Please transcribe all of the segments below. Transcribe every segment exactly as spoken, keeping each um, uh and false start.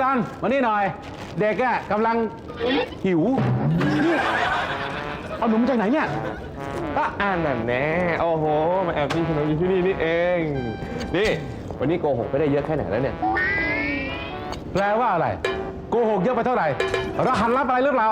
อนมานี่หน่อย เด็กอะกำลังหิวนี่เอาหนุ่มจากไหนเนี่ยก็อ่านแบบแน่โอ้โหมาแอบกินขนมอยู่ที่นี่นี่เองนี่วันนี้โกหกไปได้เยอะแค่ไหนแล้วเนี่ยแปลว่าอะไรโกหกเยอะไปเท่าไหร่รหัสลับอะไรหรือเปล่า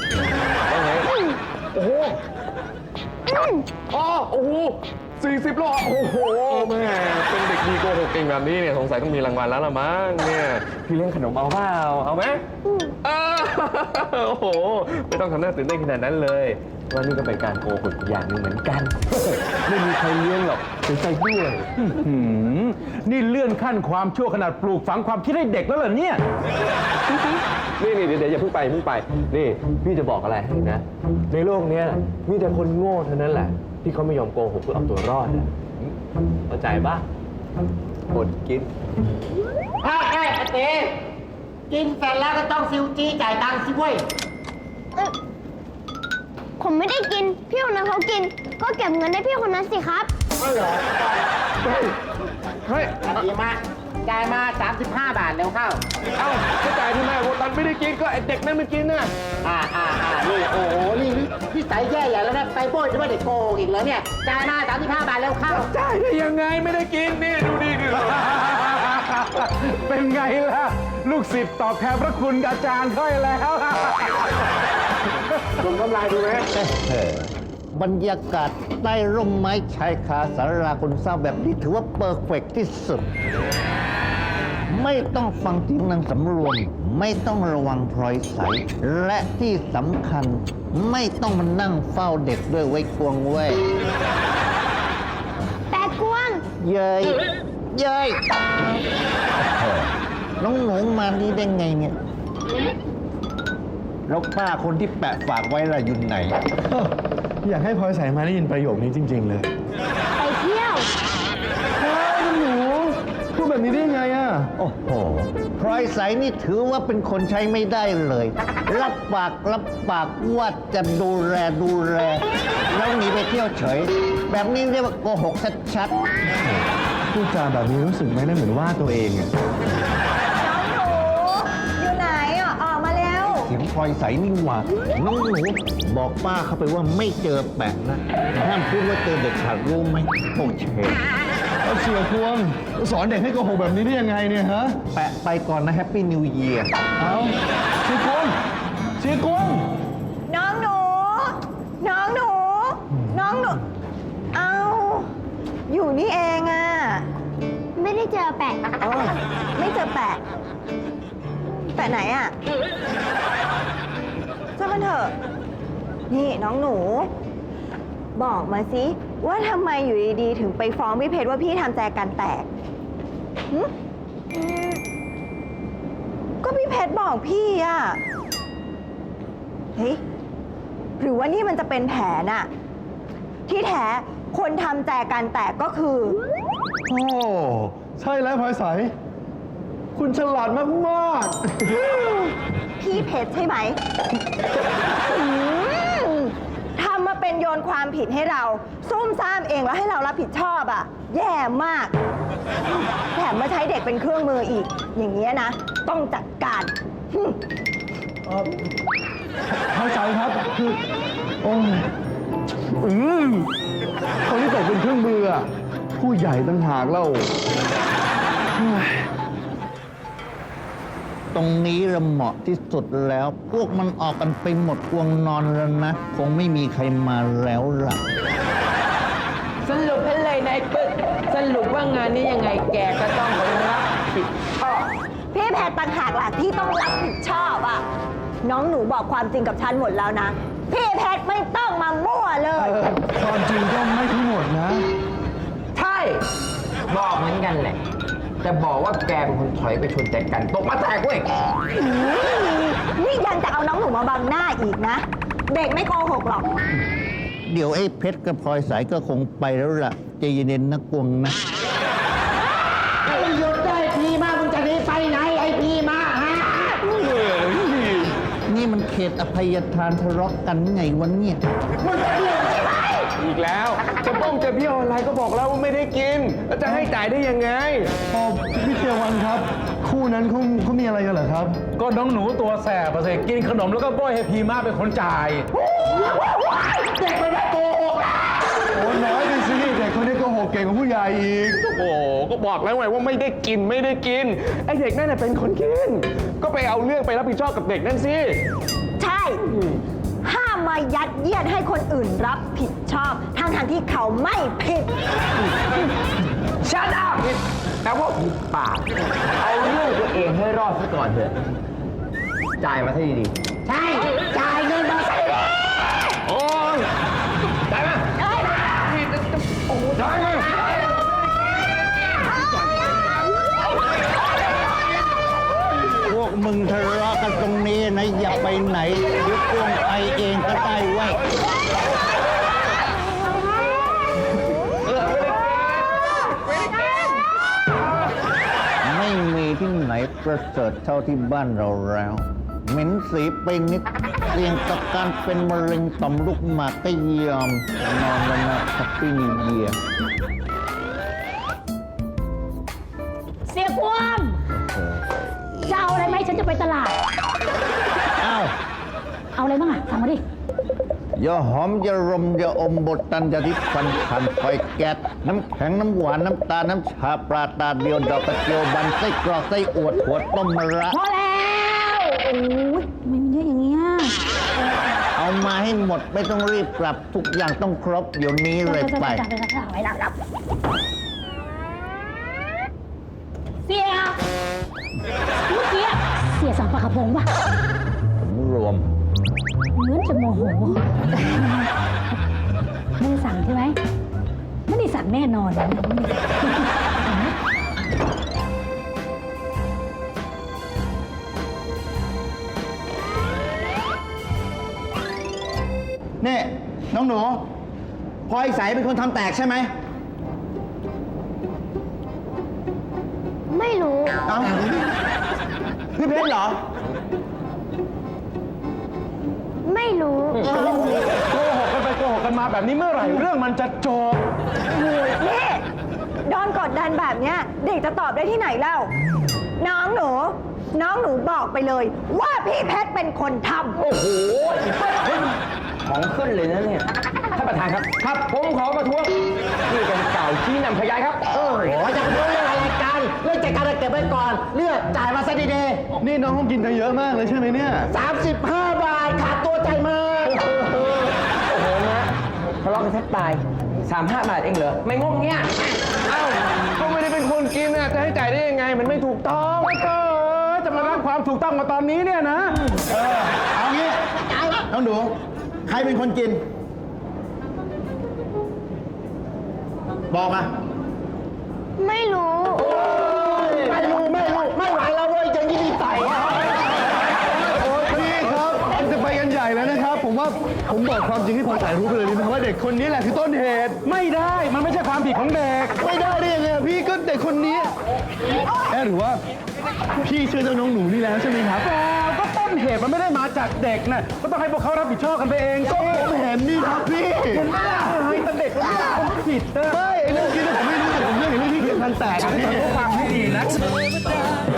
โอ้โหอ๋อโอ้โหสี่สิบโลโอ้โหแม่เป็นเด็กดีโกหกเก่งแบบนี้เนี่ยสงสัยต้องมีรางวัลแล้วละมั้งเนี่ยพี่เลี้ยงขนมเอาเปล่าเอาไหมโอ้โหไม่ต้องทำหน้าตื่นเต้นขนาดนั้นเลยว่านี่ก็เป็นการโกหกอย่างหนึ่งเหมือนกันไม่มีใครเลี้ยงหรอกเสียใจด้วยนี่เลื่อนขั้นความชั่วขนาดปลูกฝังความคิดให้เด็กแล้วเหรอเนี่ยนี่นี่เดี๋ยวอย่าเพิ่งไปเพิ่งไปนี่พี่จะบอกอะไรให้นะในโลกนี้มีแต่คนโง่เท่านั้นแหละที่เขาไม่ยอมโกหกเพื่อเอาตัวรอดเข้าใจปะอดกินถ้าแค่เต้กินเสร็จแล้วก็ต้องซิวจีจ่ายตังค์สิเว้ยผมไม่ได้กินพี่คนนั้นเขากินก็เก็บเงินให้พี่คนนั้นสิครับไม่เหรอเฮ้ยดีมากจ่ายมาสามสิบห้าบาทแล้วเข้าเอ้าก็จ่ายที่แม่โบตันไม่ได้กินก็ไอเด็กนั่นไม่กินน่ะอ่าอ่าอ่านี่โอ้โหนี่พี่สายแย่ใหญ่แล้วนะไปโบยจะไม่ได้โกงอีกแล้วเนี่ยจ่ายมาสามสิบห้าบาทแล้วเข้าจ่ายได้ยังไงไม่ได้กินนี่ดูดิเป็นไงล่ะลูกศิษย์ตอบแทนพระคุณอาจารย์ค่อยแล้วคุณกำไรดูไหมบรรยากาศใต้ร่มไม้ชายคาสาราคนเศร้าแบบนี้ถือว่าเปอร์เฟกต์ที่สุดไม่ต้องฟังเสียงนางสำรวมไม่ต้องระวังพลอยใสและที่สำคัญไม่ต้องมานั่งเฝ้าเด็กด้วยไว้กวงเว้ยแปะกวงเย้ยเย้ยน้องหนูมานี่ได้ไงเนี่ยแล้วป้าคนที่แปะฝากไว้ล่ะอยู่ไหนอยากให้พลอยใสมาได้ยินประโยคนี้จริงๆเลยไปเที่ยวเฮ้ยหนูพูดแบบนี้ได้ยังไงอ่ะโอ้โหพลอยใสนี่ถือว่าเป็นคนใช้ไม่ได้เลยรับปากรับปากว่าจะดูแลดูแลแล้วหนีไปเที่ยวเฉยแบบนี้เรียกว่าโกหกชัดๆพูดจาแบบนี้รู้สึกไหมนะเหมือนว่าตัวเองอ่ะน้องหนูอยู่ไหนอ่ะออกมาแล้วเสียงพลอยใสนี่หว่าน้องหนูบอกป้าเข้าไปว่าไม่เจอแปะนะห้ามพูดว่าเจอเด็กขาดรู้ไหมโอเคเอาเสียพวงสอนเด็กให้โกหกแบบนี้ได้ยังไงเนี่ยฮะแปะไปก่อนนะแฮปปี้นิวเยียร์เอาเสียกวงเสียกวงน้องหนูน้องหนูน้องหนูเอาอยู่นี่เองอ่ะไม่ได้เจอแปะไม่เจอแปะแปะไหนอ่ะช่างมันเถอะนี่น้องหนูบอกมาสิว่าทำไมอยู่ดีๆถึงไปฟ้องพี่เพชรว่าพี่ทำแจกันแตกก็พี่เพชรบอกพี่อ่ะเฮ้ยหรือว่านี่มันจะเป็นแผนอะที่แท้คนทำแจกันแตกก็คือโอ้ใช่แล้วพลอยใสคุณฉลาดมากๆพี่เพชรใช่ไหมทำมาเป็นโยนความผิดให้เราซุ่มซ่ามเองแล้วให้เรารับผิดชอบอ่ะแย่มากแถมมาใช้เด็กเป็นเครื่องมืออีกอย่างเงี้ยนะต้องจัดการพลอยใสครับคือโอ้ยอืมคนที่ตกเป็นเครื่องมืออ่ะผู้ใหญ่ต่างหากเล่าตรงนี้เราเหมาะที่สุดแล้วพวกมันออกกันไปหมดกวงนอนแล้วนะคงไม่มีใครมาแล้วล่ะสรุปให้เลยนายปึ๊กสรุปว่างานนี้ยังไงแกก็ต้องรับผิดชอบพี่แพทย์ต่างหากล่ะที่ต้องรับผิดชอบอ่ะน้องหนูบอกความจริงกับฉันหมดแล้วนะพี่แพทย์ไม่ต้องมามั่วเลยความจริงก็ไม่ทั้งหมดนะใช่บอกเหมือนกันแหละจะบอกว่าแกเป็นคนถอยไปชนแจกันตกมาแตกเว้ยนี่ยังจะเอาน้องหนูมาบังหน้าอีกนะเด็กไม่โกหกหรอกเดี๋ยวไอ้เพชรกับพลอยสายก็คงไปแล้วล่ะใจเย็นๆนะกวงนะไอ้หยุดได้พี่มามึงจะหนีไปไหนไอ้พี่มาฮะนี่มันเขตอภัยทานทะเลาะกันไงวะเนี่ยมึงจะเดี่ยวใช่ไหมอีกแล้ว จะป้องจะเบี้ยวอะไรก็บอกแล้วว่าไม่ได้กินแล้วจะให้จ่ายได้ยังไงพอพี่เทวันครับ คู่นั้นเขาเขามีอะไรกันเหรอครับก็น้องหนูตัวแสบอะสิกินขนมแล้วก็โบ้ยให้พีมาเป็นคนจ่ายเด็กมันไม่โกหกโอ้น้อยไปสิเด็กคนนี้โกหกเก่งกว่าผู้ใหญ่อีกโอ้โหก็บอกแล้วไงว่าไม่ได้กินไม่ได้กินไอเด็กนั่นน่ะเป็นคนกิน ก็ไปเอาเรื่องไปรับผิดชอบกับเด็กนั่นสิใช่ ห้ามมายัดเยียดให้คนอื่นรับผิดชอบทางทางๆที่เขาไม่ผิดชัดอัพแต่ว่าผิดปาก เอาเรื่องตัวเองให้รอดซะก่อนเถอะ จ่ายมาซะดีใช่ จ่ายเงินมาใส่โอ้ยได้ไหมได้ไหมโอ้โหได้ไหมพวกมึงทะเลาะกันตรงนี้นะ อย่าไปไหนเดี๋ยวกวงไปเองก็ได้ไว้ยไม่มีที่ไหนประเสริฐเท่าที่บ้านเราแล้ว เหม็นสีไปนิดเสี่ยงต่อการเป็นมะเร็งต่อมลูกหมากก็ยอม นอนแล้วนะแฮปปี้นิวเยียร์เสียกวางจะเอาอะไรไหมฉันจะไปตลาดอ้าวเอาอะไรบ้างอะสั่งมาดิอย่าหอมอย่ารมอย่าอมบทตันอย่าทิพฟันขันไฟแก๊สน้ำแข็งน้ำหวานน้ำตาลน้ำชาปลาตาเดียวดอกกระเจียวบันไส้กรอกไส้อวดหัวต้มมะระพอแล้วโอ้ยทำไมมันเยอะอย่างเงี้ยเอามาให้หมดไม่ต้องรีบกลับทุกอย่างต้องครบเดี๋ยวนี้เลยไปไปรับไปรับรับเสียเมื่อกี้เสียสั่งปลากระพงป่ะผมรวมเหมือนจะโมโห ไม่ได้สั่งใช่ไหมไม่ได้สั่งแน่นอนนะนี่น้องหนูพลอยใสเป็นคนทำแตกใช่ไหมไม่รู้เอ้าพี่เพชรเหรอไม่รู้โกหกกันไปโกหกกันมาแบบนี้เมื่อไหร่เรื่องมันจะจบนี่โดนกดดันแบบเนี้ยเด็กจะตอบได้ที่ไหนเล่า น้องหนู น้องหนูบอกไปเลย ว่าพี่เพชรเป็นคนทำๆ โอ้โหของขึ้นเลยนะเนี่ย ท่านประธานครับ ครับ ผมขอประท้วงนี่เป็นเก่าชี้นำพยานครับโอ้ยจะพูดเรื่องอะไรกันเรื่องจัดการเก็บไว้ก่อน เลือกจ่ายมาซะดีนี่น้องคงกินกันเยอะมากเลยใช่ไหมเนี่ยๆสามสิบห้าบาทขาดตัวใจายมาโอ้โหนะทะเลาะกันแทบตายสามห้าบาทเองเหรอ ไม่งงเงี้ยเอ้าก็ไม่ได้เป็นคนกินน่ะจะให้จ่ายได้ยังไงมันไม่ถูกต้องก็จะมารับความถูกต้องมาตอนนี้เนี่ยนะเออ เอางี้น้องหนู ใครเป็นคนกิน บอกมาไม่รู้ไม่รู้ไม่รู้ไม่ไหวแล้วเว้ยจะยี่ดีใส่โอ้ยพี่ครับมันจะไปกันใหญ่แล้วนะครับ ผมว่าผมบอกความจริงให้พลอยใสรู้ไปเลยดีไหมครับว่าเด็กคนนี้แหละคือต้นเหตุไม่ได้มันไม่ใช่ความผิดของเด็กไม่ได้ได้ยังไงอะพี่ก็เด็กคนนี้แอบหรือว่าพี่เชื่อเจ้าน้องหนูนี่แล้วใช่ไหมครับแล้วก็ต้นเหตุมันไม่ได้มาจากเด็กนะก็ต้องให้พวกเขารับผิดชอบกันไปเองก็ผมเห็นนี่ครับพี่เห็นไหมล่ะให้แต่เด็กมันเป็นคนผิดนะไม่ไอ้เรื่องกินเนี่ยผมไม่รู้แต่ผมเรื่องเห็นเรื่องที่เขียนพันแตกอะพี่ฟังให้ดีนะเทวดา